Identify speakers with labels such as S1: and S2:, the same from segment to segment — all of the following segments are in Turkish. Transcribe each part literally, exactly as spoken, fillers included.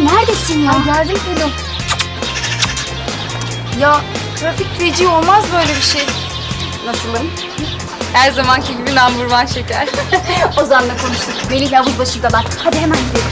S1: Melih neredesin ya?
S2: Ay geldim Pelin. Ya trafik feci, olmaz böyle bir şey.
S1: Nasılım?
S2: Her zamanki gibi number one şeker.
S1: Ozan'la konuştuk. Melih'le havuz başındalar. Hadi hemen gidelim.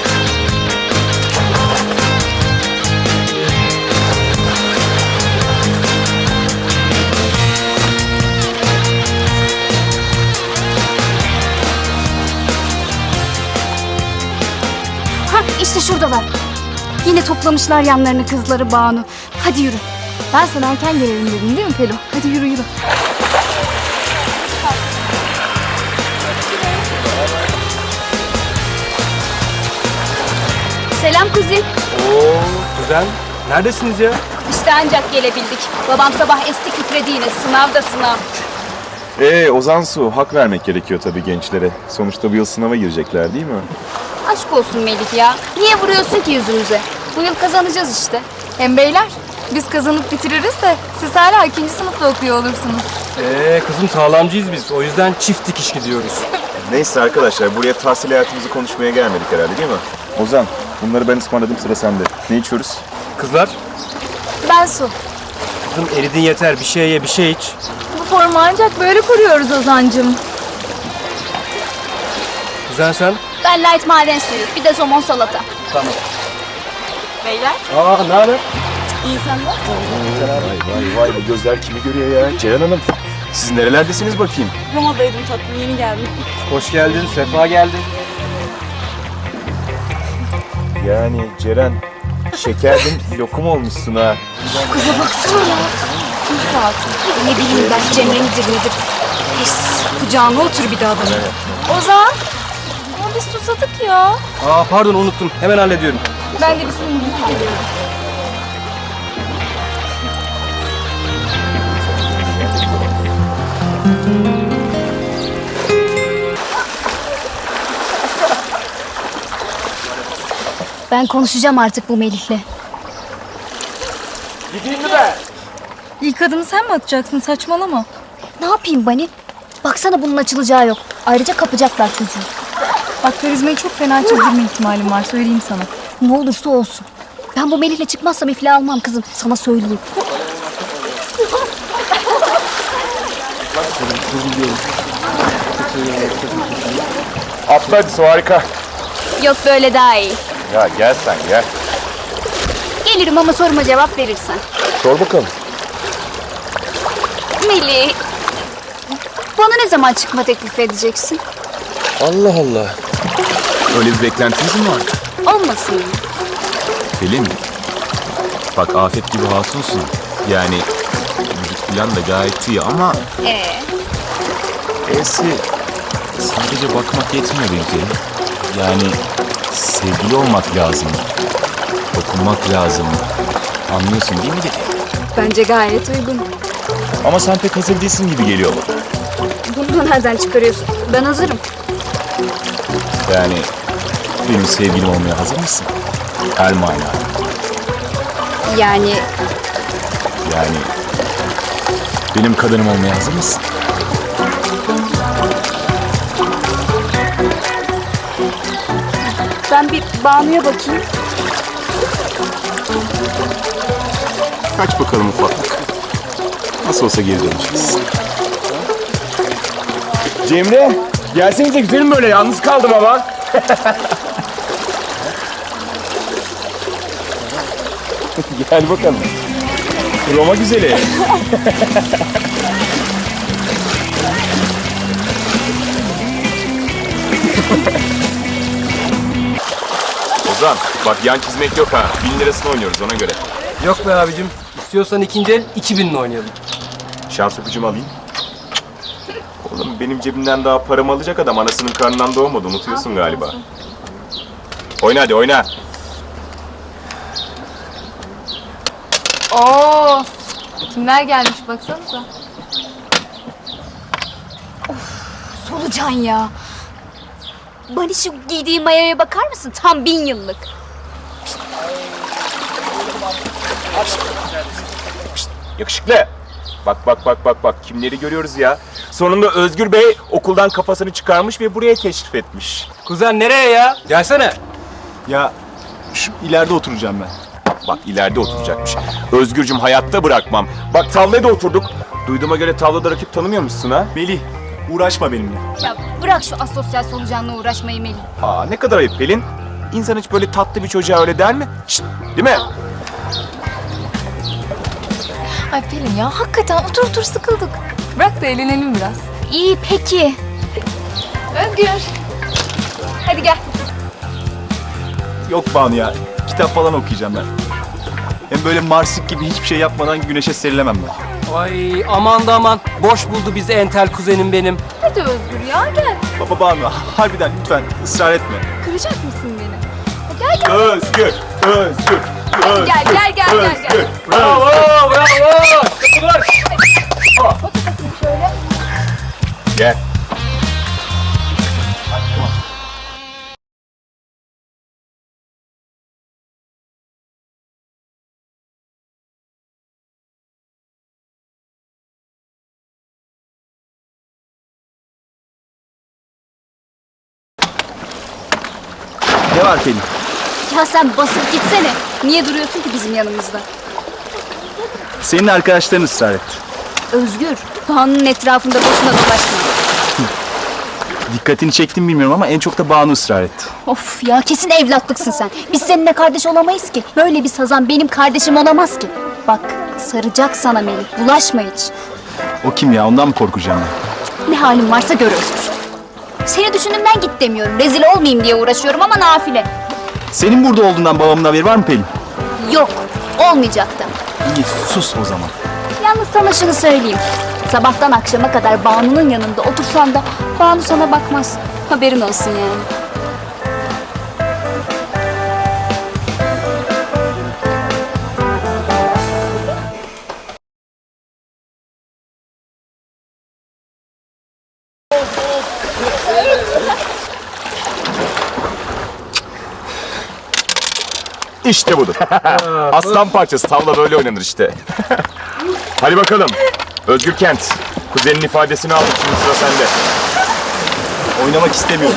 S1: Hah işte şuradalar. Yine toplamışlar yanlarını kızları Banu. Hadi yürü.
S2: Ben sana erken gelelim dedim değil mi Pelin? Hadi yürü yürü.
S1: Selam kuzim.
S3: Oo, güzel. Neredesiniz ya?
S1: İşte ancak gelebildik. Babam sabah esti titredi yine. Sınav da sınav.
S4: Ee Ozan Su, hak vermek gerekiyor tabii gençlere. Sonuçta bu yıl sınava girecekler değil mi?
S1: Aşk olsun Melih ya. Niye vuruyorsun ki yüzümüze? Bu yıl kazanacağız işte.
S2: Hem beyler, biz kazanıp bitiririz de siz hala ikinci sınıfta okuyor olursunuz.
S3: Ee kızım sağlamcıyız biz. O yüzden çift dikiş gidiyoruz.
S4: Neyse arkadaşlar, buraya tahsil hayatımızı konuşmaya gelmedik herhalde değil mi? Ozan, bunları ben ısmarladım, sıra sende. Ne içiyoruz?
S3: Kızlar,
S2: Ben Su.
S3: kızım eridin yeter. Bir şey ye, bir şey iç.
S2: Bu formu ancak böyle kuruyoruz Ozan'cığım.
S3: Kuzen sen?
S1: Ben light maden suyu, bir de somon salata.
S3: Tamam.
S2: Beyler,
S3: Aa, ne haber?
S2: iyi senden.
S4: Vay vay vay, bu gözler kimi görüyor ya? Ceylan Hanım, siz nerelerdesiniz bakayım?
S2: Roma'daydım tatlım, yeni geldim.
S3: Hoş geldin, sefa geldin.
S4: Yani Ceren, şekerdin lokum olmuşsun ha.
S1: Kıza baksana ya. Ne bileyim ben Cemre midir nedir? Pis. Kucağına otur bir daha bana.
S2: Ozan, ama biz susadık ya.
S3: Aa pardon unuttum. Hemen hallediyorum.
S2: Ben de bir suyunu gidip geliyorum.
S1: Ben konuşacağım artık bu Melih'le.
S3: Gideyim mi ben?
S2: İlk adımı sen mi atacaksın? Saçmalama.
S1: Ne yapayım Bani? Baksana bunun açılacağı yok. Ayrıca kapacaklar çocuğu.
S2: Bak karizmayı çok fena çizdirme ihtimalim var, söyleyeyim sana.
S1: Ne olursa olsun. Ben bu Melih'le çıkmazsam iflah almam kızım. Sana söyleyeyim.
S4: Atla hadi, su harika.
S1: Yok böyle daha iyi.
S4: Ya gel sen gel.
S1: Gelirim ama soruma cevap verirsen.
S4: Sor bakalım.
S1: Melih, bana ne zaman çıkma teklif edeceksin?
S4: Allah Allah. Öyle bir beklentiniz mi var?
S1: Olmasın mı?
S4: Pelin, bak afet gibi hatunsun. Yani vücut falan da gayet iyi ama
S1: Ee,
S4: E'si sadece bakmak yetmiyor belki. Yani sevgili olmak lazım. Dokunmak lazım. Anlıyorsun değil mi dedi?
S1: bence gayet uygun.
S4: Ama sen pek hazır değilsin gibi geliyor bana.
S1: Bunu da nereden çıkarıyorsun? Ben hazırım.
S4: Yani benim sevgilim olmaya hazır mısın? Her manada.
S1: Yani
S4: Yani benim kadınım olmaya hazır mısın?
S1: ben bir Banu'ya bakayım.
S4: Kaç bakalım ufaklık. Nasıl olsa geri döneceğiz. Cemre, gelsenize güzelim böyle. Yalnız kaldım ama. Gel bakalım. Roma güzeli. Ozan, bak yan çizmek yok ha. Bin lirasını oynuyoruz ona göre.
S3: Yok be abicim. İstiyorsan ikinci el iki binle oynayalım.
S4: Şans öpücüğümü alayım. Oğlum benim cebimden daha paramı alacak adam anasının karnından doğmadı. Unutuyorsun galiba. Oyna hadi oyna.
S2: Oo, kimler gelmiş baksanıza.
S1: Solucan ya. Bani şu giydiği mayaya bakar mısın? Tam bin yıllık.
S4: Yakışıklı. Bak bak bak bak bak kimleri görüyoruz ya. Sonunda Özgür Bey okuldan kafasını çıkarmış ve buraya teşrif etmiş.
S3: Kuzen nereye ya? Gelsene.
S4: Ya
S5: Şu ileride oturacağım ben.
S4: Bak ileride oturacakmış. Özgürcüm hayatta bırakmam. Bak tavlaya da oturduk. Duyduğuma göre tavlada rakip tanımıyormuşsun ha?
S5: Melih, uğraşma benimle.
S1: Ya bırak şu asosyal solucanla uğraşmayı Melih.
S4: Aa ne kadar ayıp Pelin. İnsan hiç böyle tatlı bir çocuğa öyle der mi? Şşt, değil mi?
S2: Ay Pelin ya hakikaten otur otur sıkıldık. Bırak da eğlenelim biraz.
S1: İyi peki.
S2: Özgür. Hadi gel.
S5: Yok Banu ya, kitap falan okuyacağım ben. Hem böyle Marsik gibi hiçbir şey yapmadan güneşe serilemem ben.
S3: Ay aman da aman. Boş buldu bizi entel kuzenim benim.
S2: Hadi Özgür ya gel.
S5: Baba Banu, harbiden lütfen ısrar etme.
S2: Kıracak mısın beni? Gel gel.
S4: Özgür, Özgür, Özgür.
S2: Gel gel gel gel gel.
S3: Bravo bravo. Kapılar.
S2: Şöyle.
S4: Gel.
S5: Ne var Pelin?
S1: Ya sen basıp gitsene. Niye duruyorsun ki bizim yanımızda?
S5: Senin arkadaşların ısrar etti.
S1: Özgür, Banu'nun etrafında boşuna dolaşma.
S5: Dikkatini çektim bilmiyorum ama en çok da Banu ısrar etti.
S1: Of ya kesin evlatlıksın sen. Biz seninle kardeş olamayız ki. Böyle bir sazan benim kardeşim olamaz ki. Bak saracak sana Melih. Bulaşma hiç.
S5: O kim ya? Ondan mı korkacağım ben?
S1: Ne halin varsa gör Özgür. Seni düşündüğümden git demiyorum. Rezil olmayayım diye uğraşıyorum ama nafile.
S5: Senin burada olduğundan babamın haberi var mı Pelin?
S1: Yok, olmayacak da.
S5: İyi, sus o zaman.
S1: Yalnız sana şunu söyleyeyim. Sabahtan akşama kadar Banu'nun yanında otursan da Banu sana bakmaz. Haberin olsun yani.
S4: İşte budur. Aslan parçası tavla böyle oynanır işte. Hadi bakalım. Özgür Kent. Kuzenin ifadesini aldık, şimdi sıra sende.
S5: Oynamak istemiyorum.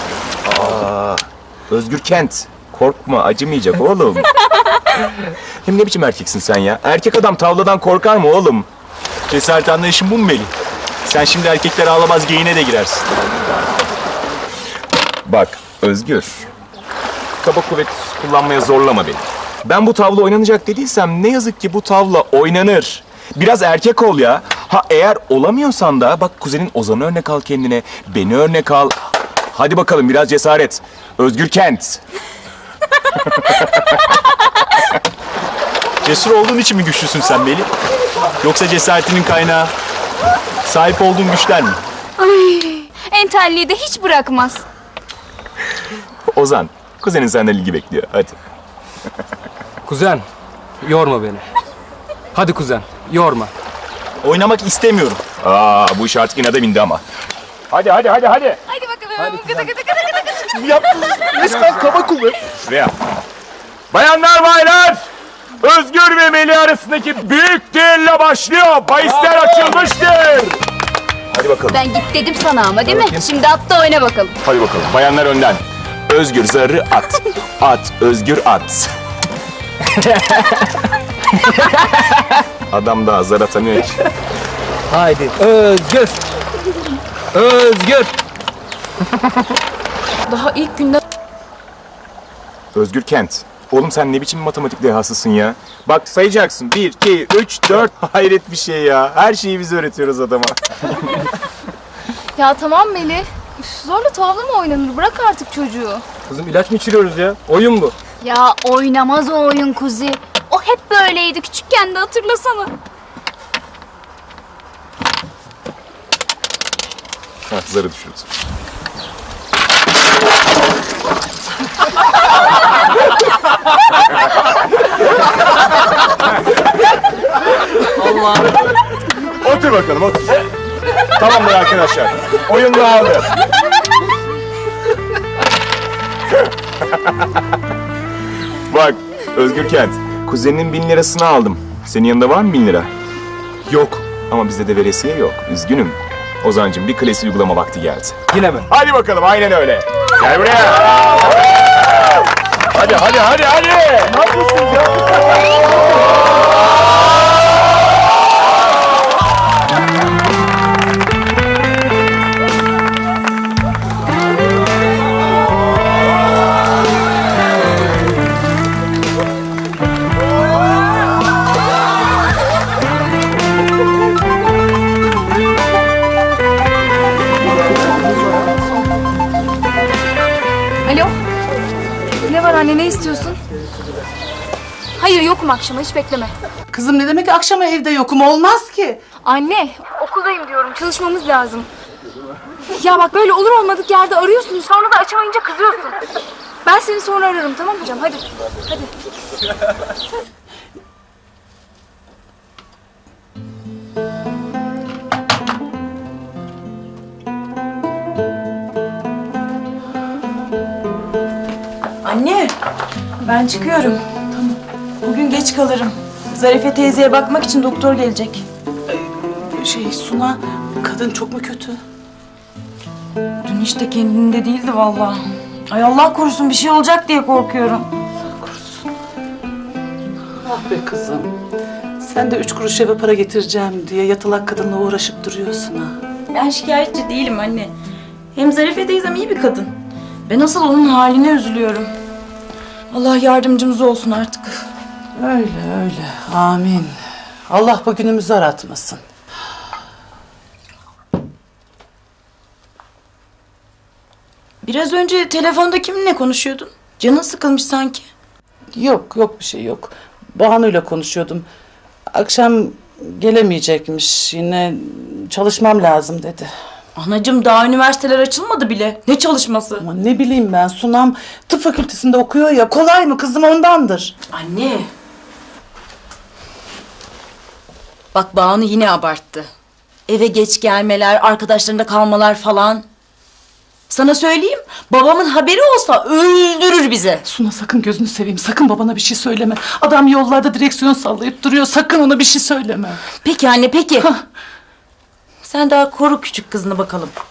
S4: Özgür Kent. Korkma, acımayacak oğlum. Hem ne biçim erkeksin sen ya? Erkek adam tavladan korkar mı oğlum?
S5: Cesaret anlayışın bu mu Melih? Sen şimdi erkekler ağlamaz geyiğine de girersin.
S4: Bak Özgür. Kaba kuvvet kullanmaya zorlama beni. Ben bu tavla oynanacak dediysem ne yazık ki bu tavla oynanır. Biraz erkek ol ya. Ha eğer olamıyorsan da bak kuzenin Ozan'ı örnek al kendine. Beni örnek al. Hadi bakalım biraz cesaret. Özgür Kent.
S5: Cesur olduğun için mi güçlüsün sen Melih? Yoksa cesaretinin kaynağı sahip olduğun güçler mi?
S1: Entelliği de hiç bırakmaz.
S4: Ozan, kuzenin senden ilgi bekliyor. Hadi.
S3: Kuzen yorma beni. Hadi kuzen yorma.
S5: Oynamak istemiyorum.
S4: Aa bu iş artık inada bindi ama. Hadi hadi hadi hadi.
S2: Hadi bakalım. Gıdı gıdı gıdı gıdı.
S5: Yaptın. Resmen kaba kuvvet.
S4: Şuraya. Bayanlar baylar. Özgür ve Melih arasındaki büyük düello başlıyor. Bahisler açılmıştır. Hadi bakalım.
S1: Ben git dedim sana ama değil mi? Şimdi atla oyna bakalım.
S4: Hadi bakalım. Bayanlar önden. Özgür zarı at. At, Özgür at. Adam daha zar atamıyor ki.
S3: Haydi Özgür. Özgür.
S2: Daha ilk günden
S4: Özgür Kent. Oğlum sen ne biçim matematik dehasısın ya? Bak sayacaksın. Bir, iki, üç, dört. Hayret bir şey ya. Her şeyi biz öğretiyoruz adama.
S2: Ya tamam Melih. Üf, zorla tavla mı oynanır? Bırak artık çocuğu.
S3: Kızım ilaç mı içiriyoruz ya? Oyun bu.
S1: Ya oynamaz o oyun kuzi. O hep böyleydi küçükken de hatırlasana.
S4: Hah, zarı düşürdüm.
S3: Allah.
S4: Otur bakalım otur. Tamamdır arkadaşlar. Oyun dağıldı. Bak Özgür Kent. Kuzeninin bin lirasını aldım. Senin yanında var mı bin lira?
S5: Yok.
S4: Ama bizde de veresiye yok. Üzgünüm. Ozancığım bir klasik uygulama vakti geldi.
S3: Yine mi?
S4: Hadi bakalım aynen öyle. Gel buraya. Hadi hadi hadi hadi.
S5: Ne yapıyorsunuz ya?
S2: Alo. Ne var anne, ne istiyorsun? Hayır, yokum akşama, hiç bekleme.
S6: Kızım ne demek akşama evde yokum, olmaz ki.
S2: Anne, okuldayım diyorum, çalışmamız lazım. Ya bak, böyle olur olmadık yerde arıyorsunuz, sonra da açamayınca kızıyorsun. Ben seni sonra ararım, tamam mı hocam? Hadi, hadi.
S7: Anne, ben çıkıyorum. Tamam. Bugün geç kalırım. Zarife teyzeye bakmak için doktor gelecek.
S6: Şey Suna, kadın çok mu kötü?
S7: Dün işte kendinde değildi vallahi. Ay Allah korusun, bir şey olacak diye korkuyorum.
S6: Ah be kızım. Sen de üç kuruş eve para getireceğim diye yatalak kadınla uğraşıp duruyorsun ha.
S7: Ben şikayetçi değilim anne. Hem Zarife teyzem iyi bir kadın. Ben asıl onun haline üzülüyorum. Allah yardımcımız olsun artık.
S6: Öyle öyle, amin. Allah bugünümüzü aratmasın.
S7: Biraz önce telefonda kiminle konuşuyordun? Canın sıkılmış sanki.
S6: Yok yok bir şey yok. Banu'yla konuşuyordum. Akşam gelemeyecekmiş, yine çalışmam lazım dedi.
S7: Anacığım, daha üniversiteler açılmadı bile. Ne çalışması?
S6: Ama ne bileyim ben, Sunam tıp fakültesinde okuyor ya, kolay mı kızım, ondandır.
S7: Anne. Bak Banu yine abarttı. Eve geç gelmeler, arkadaşlarında kalmalar falan. Sana söyleyeyim, babamın haberi olsa öldürür bizi.
S6: Suna sakın, gözünü seveyim, sakın babana bir şey söyleme. Adam yollarda direksiyon sallayıp duruyor, sakın ona bir şey söyleme.
S7: Peki anne, peki. Sen daha koru küçük kızını bakalım.